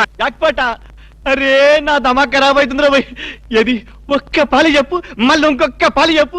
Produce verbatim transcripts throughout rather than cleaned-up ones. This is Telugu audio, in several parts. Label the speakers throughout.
Speaker 1: జాక్పాట. అరే నా దమా ఖరాబ్ అవుతుందిరా భయ్. ఏది ఒక్క పాలి చెప్పు, మళ్ళీ ఇంకొక్క పాలి చెప్పు.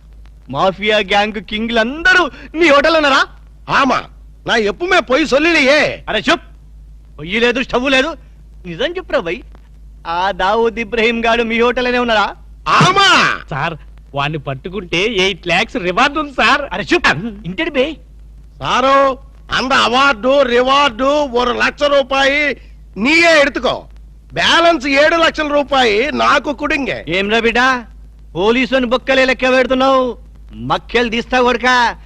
Speaker 1: మాఫియా గ్యాంగ్ కింగ్లందరూ నీ హోటల్ ఉన్నారా?
Speaker 2: ఆమా నా ఎప్పుమే పోయి సొల్లియే.
Speaker 1: అరే చెప్, పొయ్యి లేదు స్టవ్ లేదు, నిజం చెప్పురా భయ్. ఆ దావూద్ ఇబ్రహీం గాడు మీ హోటల్లోనే ఉన్నారా?
Speaker 2: ఆమా
Speaker 3: సార్ వాడిని పట్టుకుంటే ఎయిట్ లాక్స్ రివార్డ్ ఉంది సార్.
Speaker 1: అరే చెప్, ఇంటి బే
Speaker 2: సారు அந்த అవార్డు రివార్డు ஒரு లక్ష రూపాయి నీయే ఎడుతుకో. బ్యాలెన్స్ ఏడు లక్షల రూపాయి నాకు కుడింగే.
Speaker 1: ఏం రా బిడ్డ, పోలీసుని బొక్కలే లెక్క పెడుతున్నావు, మక్కెలు తీస్తా కొడుక.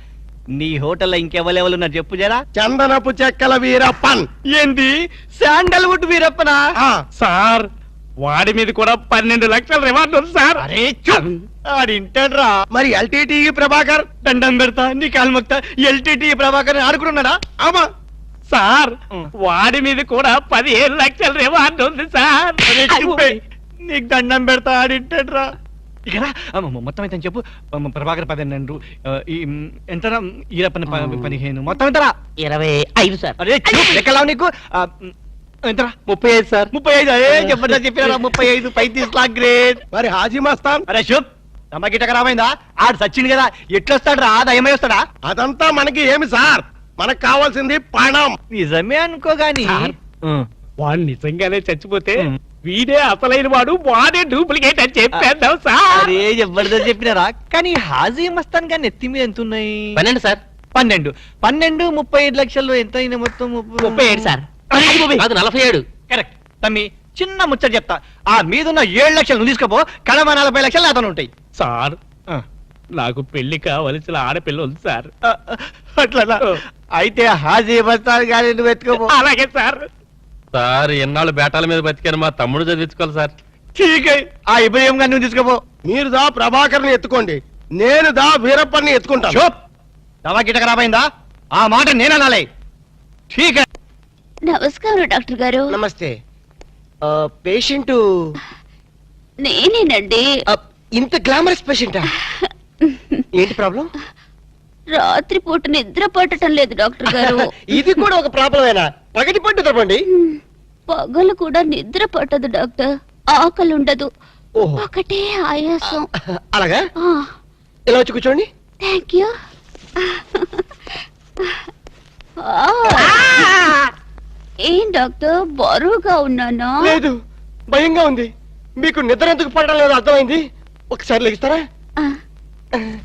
Speaker 1: నీ హోటల్లో ఇంకెవరెవరున్నారు చెప్పు జరా.
Speaker 2: చందనపు చెక్కల వీరప్పన్.
Speaker 1: ఏంది శాండల్వుడ్ వీరప్పనా?
Speaker 3: సార్ వాడి మీద కూడా పన్నెండు లక్షల రివార్డ్ ఉంది సార్.
Speaker 1: అరే చూప్, ఆడింటాడ్రా.
Speaker 2: మరి ఎల్టీటీ ప్రభాకర్.
Speaker 1: దండం పెడతా నీ కాలు మొక్తా. ఎల్టీటీ ప్రభాకర్ ఆడుకున్నాడా?
Speaker 2: ఆమా
Speaker 3: సార్ వాడి మీద కూడా పదిహేను లక్షల రివార్డ్ ఉంది సార్.
Speaker 1: అరే చూపే, నీకు దండం పెడతా, ఆడింటాడ్రా. ఇక్కడ మొత్తం అయితే చెప్పు. మ- ప్రభాకర్ పన్నెండు, ఆ, ఈ ఎంతరా ఈరప్పని ప- పదిహేను, మొత్తం ఎంతరా?
Speaker 3: ఇరవై ఐదు సార్.
Speaker 1: అరే చూప్, లెక్కలావు నీకు. ఆ, ఎంతరా?
Speaker 3: ముప్పై ఐదు సార్.
Speaker 1: ముప్పై ఐదు. అరే చెప్పండి చెప్పినారా, ముప్పై ఐదు పైతీస్ లాక్ గ్రేట్.
Speaker 2: మరి హాజీ మస్తాన్.
Speaker 1: అరే శుభ్, తమ గిట్ట ఖరాబైందా? ఆడు సచ్చింది కదా, ఎట్లొస్తాడు రా? దయమై వస్తాడా?
Speaker 2: అదంతా మనకి ఏమి సార్, మనకు కావాల్సింది పణం.
Speaker 1: నిజమే అనుకో గాని.
Speaker 3: సార్. వాడు నిజంగానే చచ్చిపోతే
Speaker 1: ఉం.
Speaker 3: వీడే అసలైన వాడు, వాడే డూప్లికేట్ అని చెప్పేద్దాం సార్.
Speaker 1: అరే జబర్దస్త్ చెప్పినారా. కానీ హాజీ మస్తాన్ గాని ఎత్తి మీద ఎంత ఉన్నాయి?
Speaker 3: పన్నెండు సార్.
Speaker 1: పన్నెండు. పన్నెండు ముప్పై ఐదు లక్షల్లో ఎంత అయినా మొత్తం?
Speaker 3: ముప్పై ఏడు సార్.
Speaker 1: అరే బాబోయ్.
Speaker 3: అది నలభై ఏడు.
Speaker 1: కరెక్ట్. తమ్మి చిన్న ముచ్చట చెప్తా. ఆ మీదున్న ఏడు లక్షలు నువ్వు తీసుకోపో, కడమ నలభై లక్షలు అతను ఉంటాయి.
Speaker 3: సార్
Speaker 1: ఆ,
Speaker 3: నాకు పెళ్లి కావలసిన ఆడపిల్ల ఉంది సార్.
Speaker 1: ఆ, అట్లా అయితే హాజీ మస్తాన్ గాని నువ్వు ఎత్తుకోపో.
Speaker 3: అలాగే సార్.
Speaker 4: సార్ ఎన్నాళ్ళు బేటాల మీద బతికాను, మా తమ్ముడు చదివించుకోవాలి సార్.
Speaker 1: ఠీక్ హై. ఆ ఇబ్రహీం గాని నువ్వు తీసుకోపో.
Speaker 2: మీరు దా ప్రభాకర్ని ఎత్తుకోండి, నేను దా వీరప్పన్ని ఎత్తుకుంటాను.
Speaker 1: చూప్, దవా గిట్ట ఖరాబైందా? ఆ మాట నేననాలే. ఠీక్ హై.
Speaker 5: నమస్కారం డాక్టర్ గారు.
Speaker 6: నమస్తే. పేషెంట్
Speaker 5: నేనేనండి.
Speaker 6: ఇంత గ్లామరస్ పేషెంటా? ఏంటి ప్రాబ్లం?
Speaker 5: రాత్రి పూట నిద్ర పట్టడం లేదు డాక్టర్ గారు.
Speaker 6: ఇది కూడా ఒక ప్రాబ్లమేనా? పగటి పట్టు తప్పండి.
Speaker 5: పగలు కూడా నిద్ర పట్టదు డాక్టర్. ఆకలి ఉండదు,
Speaker 6: ఓహో.
Speaker 5: ఒకటే ఆయాసం.
Speaker 6: అలాగా? ఇలా వచ్చి కూర్చోండి.
Speaker 5: Thank you. ఏం డాక్టర్, బరువుగా ఉన్నానా?
Speaker 6: లేదు, భయంగా ఉంది. మీకు నిద్ర ఎందుకు పడడం లేదు అర్థమైంది. ఒకసారి లెగిస్తారా?
Speaker 5: ఆ.